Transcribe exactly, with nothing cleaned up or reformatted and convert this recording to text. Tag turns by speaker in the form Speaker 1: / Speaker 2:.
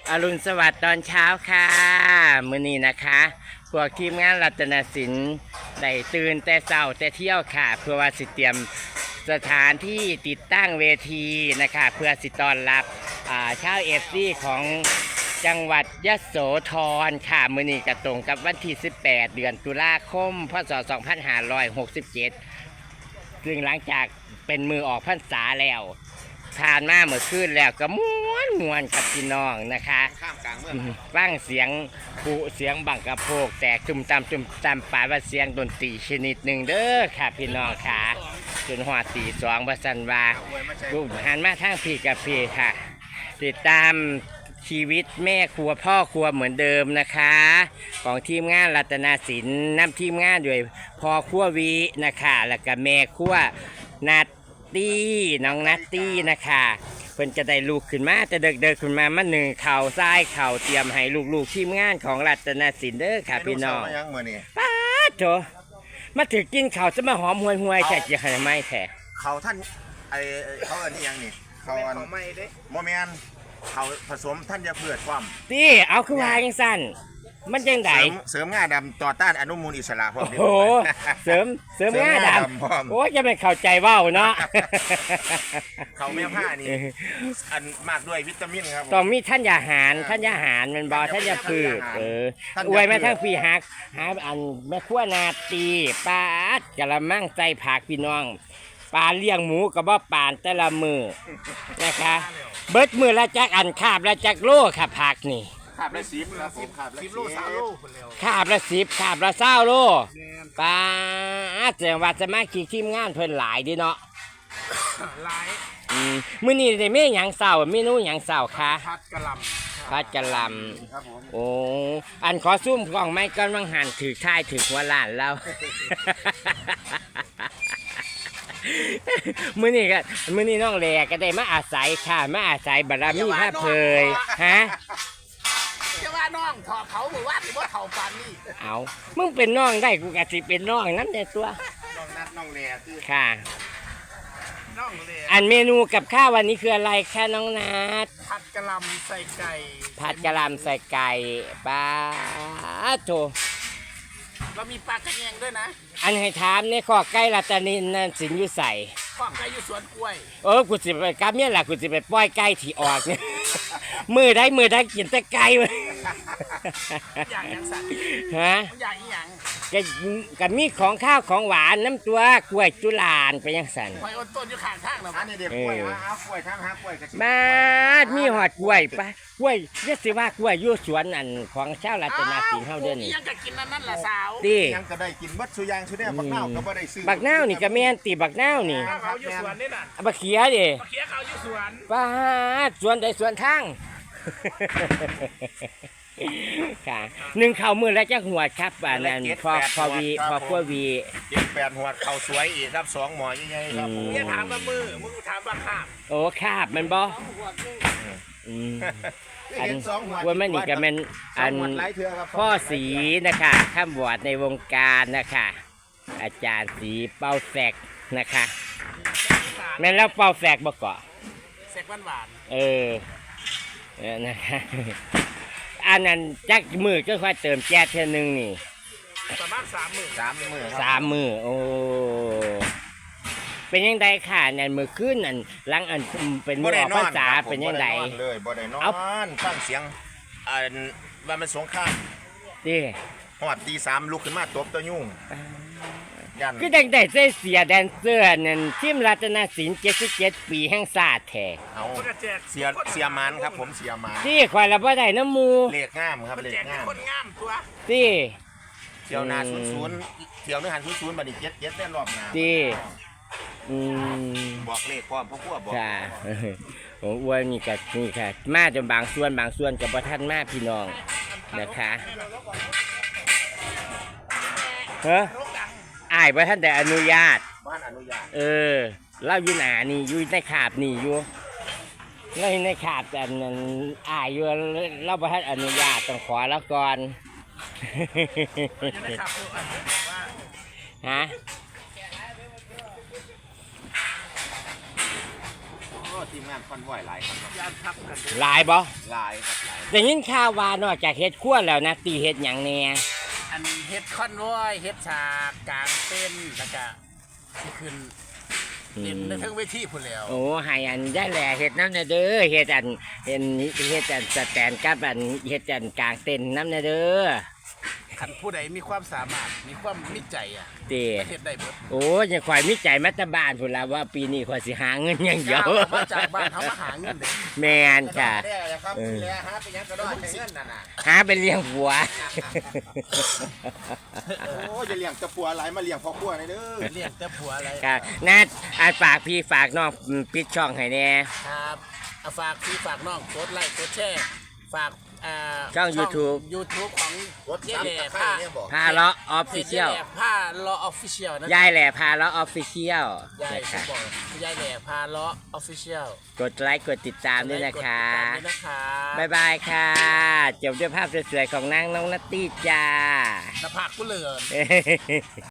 Speaker 1: อรุณสวัสดิ์ตอนเช้าค่ะมื้อนี้นะคะพวกทีมงานรัตนศิลป์ได้ตื่นแต่เช้าแต่เที่ยวค่ะเพื่อว่าสิเตรียมสถานที่ติดตั้งเวทีนะคะเพื่อสิต้อนรับชาวเอฟซีของจังหวัดยโสธรค่ะมื้อนี้ก็ตรงกับวันที่สิบแปดเดือนตุลาคมพศสองพันห้าร้อยหกสิบเจ็ดซึ่งหลังจากเป็นมือออกพรรษาแล้วผ่านมาเมื่อคืนแล้วก็ม้วนม้วนกับพี่น้องนะคะข้ามกลางเมืองฟังเสียงผูเสียงบังกระโพกแตกจุ่มตามจุ่มตามป่าว่าเสียงดนตรีชนิดหนึ่งเด้อค่ะพี่น้องค่ะจนหัวตีสองบัสันว่ากูหันมาทางพี่กับพี่ค่ะติดตามชีวิตแม่ครัวพ่อครัวเหมือนเดิมนะคะของทีมงานรัตนาศิลป์นำทีมงานด้วยพ่อครัววีนะคะแล้วก็แม่ครัวนัดตี้น้องนัตตี้นะคะเพิ่นจะได้ลูกขึ้นมาจะเดิกเดิกขึ้นมามาหนึ่งเข่าซ้ายเข่าเตรียมให้ลูกๆทีมงานของรัตนาศิลป์เด้อค่ะพี่น้องป้าโถมาถือกินเข่าจะมาหอมห่วยห่วยแฉะจะให้ไม่แฉะ
Speaker 2: เข่าท่านไอเขาเอิ้นที่ยังนี่เข่าอันไม่ได้โมเมนเข่าผสมท่านจะเพื่อความ
Speaker 1: ตีเอาคือวายังสั้นมันยังไง
Speaker 2: เสริมง่าดำต่อต้านอนุมูลอิสระพร้อม
Speaker 1: โอ้เสริมเสริมง่าดำโอ้จะไม่เข้าใจว่าวเนาะ
Speaker 2: เขาแม่ผ้านี่อันมากด้วยวิตามินครับ
Speaker 1: ต้องมีท่านยาหารท่านยาหารมันบอท่านยาพืชเอออวยแม่ทั้งปีหักหาอันแม่ขั้วนาตีปลาอัดกะละมั่งใจผักพี่น้องปลาเลี้ยงหมูกับบ่ปานแต่ละมือนะคะเบิดมือละจักอันคาบละจักโลค่ะผักนี่
Speaker 2: ขาบละสิบครับผมขาบละสิบโลสามโล
Speaker 1: ขาบละสิบขาบละเศร้าโลปลาแสดงว่าจะมาขี่ทีมงานเพิ่นหลายดิเนาะ
Speaker 2: หลาย
Speaker 1: มื้อนี้ได้เมนูหยังเศร้าเมนูหยังเศร้าคะ
Speaker 2: ผัดกะหล่ำ
Speaker 1: ผัดกะหล่ำโอ้อันขอซุ่มกล่องไม้ก้อนวังหันถือท้ายถือหัวล้านแล้วมื้อนี้ก็มื้อนี้น้องแหลก็ได้มาอาศัยค่ะมาอาศัยบารมีพระเพยฮะ
Speaker 2: จะว่าน้องถอดเขาหรือว่าหรือว่าเขาปานนี่
Speaker 1: เอามึงเป็นน้องได้กูกะสิเป็นน้องนั่นในตัว
Speaker 2: น้องนัดน้องแหลคือ
Speaker 1: ค่ะ
Speaker 2: น้องแหล
Speaker 1: อันเมนูกับข้าววันนี้คืออะไรคะน้องนัด
Speaker 2: ผัดกะหล่ำใส่ไก่
Speaker 1: ผัดกะหล่ำใส่ไก่ปลาโถ
Speaker 2: เรามีปลากระแยงด้วยนะ
Speaker 1: อันให้ถามในข้อไก่รัตนินนั่นสินอยู่ใส่
Speaker 2: ข้อไก่อยู่สวนกล้วย
Speaker 1: เออกูสิไปกับเนี่ยแหละกูสิไปปล่อยไก่ที่ออกเนี่ยมือได้มือได้กินแต่ไก่เลย
Speaker 2: อย่างยังสั่ง
Speaker 1: ฮะ
Speaker 2: อย่างอย่าง
Speaker 1: ก็ก็มีของข้าวของหวานน้ำตัวกล้วยจุฬาไปยังสั่น
Speaker 2: หอยอดต้นอยู่ข้างทางเหรออันนี้เด็กกล้วยฮะเอากล้วยทางหากล้วยกระชิบ
Speaker 1: มามีหอดกล้วยปะกล้วยเรียกสิว่ากล้วยอยู่สวนอันของชาวรัตนศิลป์เฮาเด้อนี่
Speaker 2: ยังก็กินนั่นนั่นละสาว
Speaker 1: ติ
Speaker 2: ยังก็ได้กินบัดสุยางสุเนี่ยบักนาวก็บ่ได้ซื้อ
Speaker 1: บักนาวนี่ก็แม่นติบักนาวนี่
Speaker 2: เขาอยู่สวนนี่น่ะ
Speaker 1: บักเขียดิ
Speaker 2: บักเขียเขาอยู่สวน
Speaker 1: ป้าสวนใดสวนทางค่ะหนึ่งเข่ามือแล้วจะหัวครับอันนั้นพอพอวีพอพววี
Speaker 2: เจ็ดแปดหัวเข่าสวยอีกครับสองหมอยังไงครับผมเนี่ยถามว่ามือมึงถามว่าคาบ
Speaker 1: โอ้คาบมันบ่อันว่ามันนี่ก็เป็นอันพ่อสีนะคะข้ามบวชในวงการนะคะอาจารย์สีเป่าแสกนะคะแม่แล้วเป่าแสกบ่เกาะ
Speaker 2: แสกหวานหวาน
Speaker 1: เออเออนะคะอันนั้นจักมือก็ค่อยเติมแก๊สเท่านึงนี่
Speaker 2: ประมาณสามมือสามมือ
Speaker 1: สามมือโอ้เป็นยังไงค่ะเนี่ยมือขึ้นอันหลังอันเป็นมือออกภาษาเป็นยังไง
Speaker 2: เลยบ่ได้นอนฟังเสียงอันว่ามันสงคราม
Speaker 1: ดิ
Speaker 2: หอดตีสามลุกขึ้นมาตบตัวยุ่ง
Speaker 1: คือดังแต่เสียแดนเซอร์นั่นทีมรัตนศิลป์เจ็ดสิบเจ็ดปีแห่งศาสตร์แท้
Speaker 2: เอาเสียเสียมันครับผมเสียมัน
Speaker 1: ที่คอยละบ่ได้น้ำมู
Speaker 2: เล็กงามครับเล็กงามคนงามตัว
Speaker 1: ที่
Speaker 2: เที่ยวนาศูนย์ศูนย์เที่ยวนึกหันศูนย์ศูนย์บัดนี้เจ็ดเจ็ดได้รอบหน้า
Speaker 1: ที่อืม
Speaker 2: บอกเลขพร้อมพ่อพวกบอก
Speaker 1: ค่ะผมอ้วนนี่กับนี่ค่ะมาจนบางส่วนบางส่วนกับบ่ทันมาพี่น้องนะคะเฮ้ออ้ายบ่ท่านแต่อนุญาต
Speaker 2: บ้านอนุญาต
Speaker 1: เออเล่าอยู่หนานี่อยู่ในขาบนี่อยู่เล่าในขาบแต่นั้นอ้ายอยู่เล่าบ่ท่านอนุญาตต้องขอแล้วก่อนฮะ
Speaker 2: ทีมงานคอนวอยหลายครับ
Speaker 3: ยานทับกัน
Speaker 1: หลายบ่
Speaker 2: หลายครับหลาย
Speaker 1: แต่ยินข่าวว่านอกจากเฮ็ดครัวแล้วนะตีเฮ็ดหยังแน่
Speaker 3: อันเฮ็ดคอนวอยเฮ็ดฉากกลางเต้นแล้วก็ที่ขึ้นเล่นในเทั้งเวทีพุ่นแล้ว
Speaker 1: โอ้ให้อันได้แหล่เฮ็ดน้ำเด้อเฮ็ดอันเฮ็ดเฮ็ดอันสแตนกับอันเฮ็ดอันกลางเต็นท์น้ำเด้อ
Speaker 3: คันผู้ใดมีความสามารถมีความมิจใจอ่ะ
Speaker 1: ตี
Speaker 3: เฮ็ดได้เบิด
Speaker 1: โอ้ยยังข่อยมีใจมาแตบ้านพุ่นล่ะว่าปีนี้ข่อยสิหาเงินอย่างเดียว
Speaker 3: อมาจากบ้านเขามาหาเงินเด้
Speaker 1: แม่นค่ะ
Speaker 2: ได้ครับแล้วฮะเป็นยังกระโดดใช้เงินน่ะน่ะ
Speaker 1: หาไปเลี้ยงผัว
Speaker 2: โอ้ยจะเลี้ยงจะปัวหลายมาเลี้ยงพ่อครัวในเด้อ
Speaker 3: เรียกแต่ผัวอะไร
Speaker 1: ค่ะนัดอาฝากพี่ฝากน้องปิดช่องให้แน่
Speaker 3: ครับเอาฝากพี่ฝากน้องกดไลค์กดแชร์ฝากอ่า
Speaker 1: ช่อง YouTube
Speaker 3: YouTube ของ
Speaker 2: รถ
Speaker 3: เจ๊
Speaker 2: ซ้ำ
Speaker 3: แหล่
Speaker 2: ตะไคร้
Speaker 3: ผ้า
Speaker 2: เนี่ยบอก
Speaker 1: พาเลาะออฟฟิเชียล
Speaker 3: พจผ้าเลาะออฟฟิเชียลนะ
Speaker 1: ยายแหล่พาเลาะออฟฟิเชียล
Speaker 3: ยาย
Speaker 1: นะ
Speaker 3: ฉัน
Speaker 1: คะ
Speaker 3: บอกยายแหล่พาเลาะออฟฟิเชียล
Speaker 1: กดไลค์กดติดตามด้วยนะคะ
Speaker 3: กดติดตามด้วยนะคะ
Speaker 1: บ๊ายบายค่ะ จบด้วยภาพสวยๆของนางน้องนัตตี้จ้า
Speaker 3: หน้าผากกูเหลือน